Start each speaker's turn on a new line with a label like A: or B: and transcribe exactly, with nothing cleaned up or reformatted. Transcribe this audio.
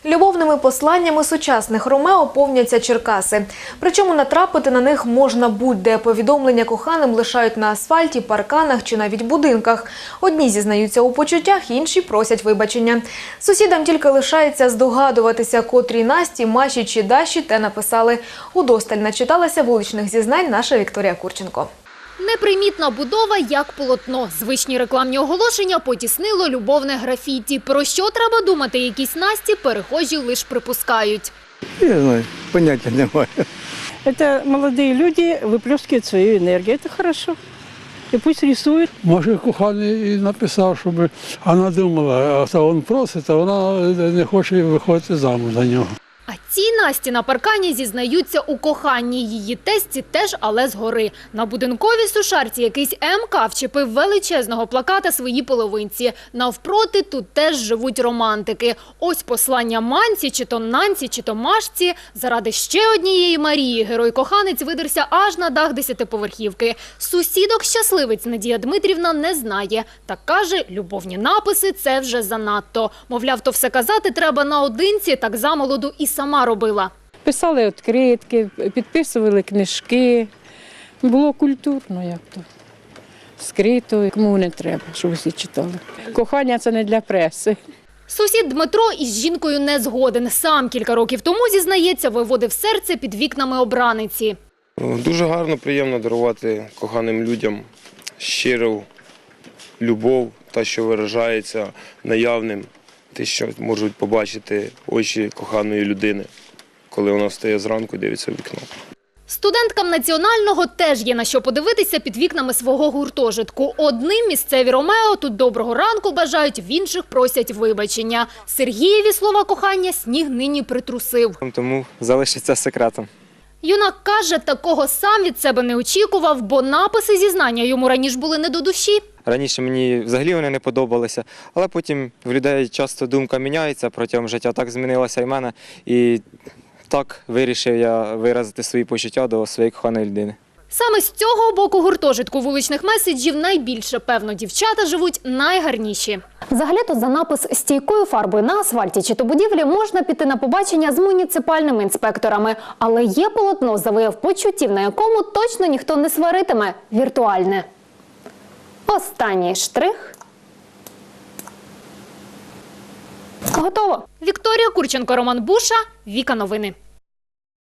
A: Любовними посланнями сучасних Ромео повняться Черкаси. Причому натрапити на них можна будь-де. Повідомлення коханим лишають на асфальті, парканах чи навіть будинках. Одні зізнаються у почуттях, інші просять вибачення. Сусідам тільки лишається здогадуватися, котрій Насті, Маші чи Даші те написали. Удосталь начиталася вуличних зізнань наша Вікторія Курченко.
B: Непримітна будова, як полотно. Звичні рекламні оголошення потіснило любовне графіті. Про що треба думати якісь Насті, перехожі лише припускають.
C: Я знаю, поняття немає.
D: Это молодые люди выплескивают свою энергию. Это хорошо. И пусть рисуют.
E: Може, коханий і написав, щоб вона думала, а він просить, а вона не хоче виходити замуж за нього.
B: А ці Насті на паркані зізнаються у коханні. Її тесті теж, але згори. На будинковій сушарці якийсь ем ка вчепив величезного плаката своїй половинці. Навпроти тут теж живуть романтики. Ось послання Манці, чи то Нанці, чи то Машці. Заради ще однієї Марії герой-коханець видерся аж на дах десятиповерхівки. Сусідок щасливець Надія Дмитрівна не знає. Та каже, любовні написи – це вже занадто. Мовляв, то все казати треба наодинці, так замолоду і сама робила.
D: Писали відкритки, підписували книжки. Було культурно як-то. Скрито, кому не треба, щоб усі читали. Кохання – це не для преси.
B: Сусід Дмитро із жінкою не згоден. Сам кілька років тому, зізнається, виводив серце під вікнами обраниці.
F: Дуже гарно, приємно дарувати коханим людям щиру любов, та, що виражається наявним, те, що можуть побачити очі коханої людини, коли вона встає зранку і дивиться в вікно.
B: Студенткам Національного теж є на що подивитися під вікнами свого гуртожитку. Одним місцеві Ромео тут доброго ранку бажають, в інших просять вибачення. Сергієві слова кохання сніг нині притрусив.
G: Тому залишиться секретом.
B: Юнак каже, такого сам від себе не очікував, бо написи зізнання йому раніше були не до душі.
G: Раніше мені взагалі вони не подобалися, але потім в людей часто думка міняється протягом життя. Так змінилася і в мене. І так вирішив я виразити свої почуття до своєї коханої людини.
B: Саме з цього боку гуртожитку вуличних меседжів найбільше, певно, дівчата живуть найгарніші.
H: Взагалі-то за напис «стійкою фарбою на асфальті» чи то будівлі можна піти на побачення з муніципальними інспекторами. Але є полотно за вияв почуттів, на якому точно ніхто не сваритиме – віртуальне. Останній штрих. Готово.
B: Вікторія Курченко, Роман Буша, Віка Новини.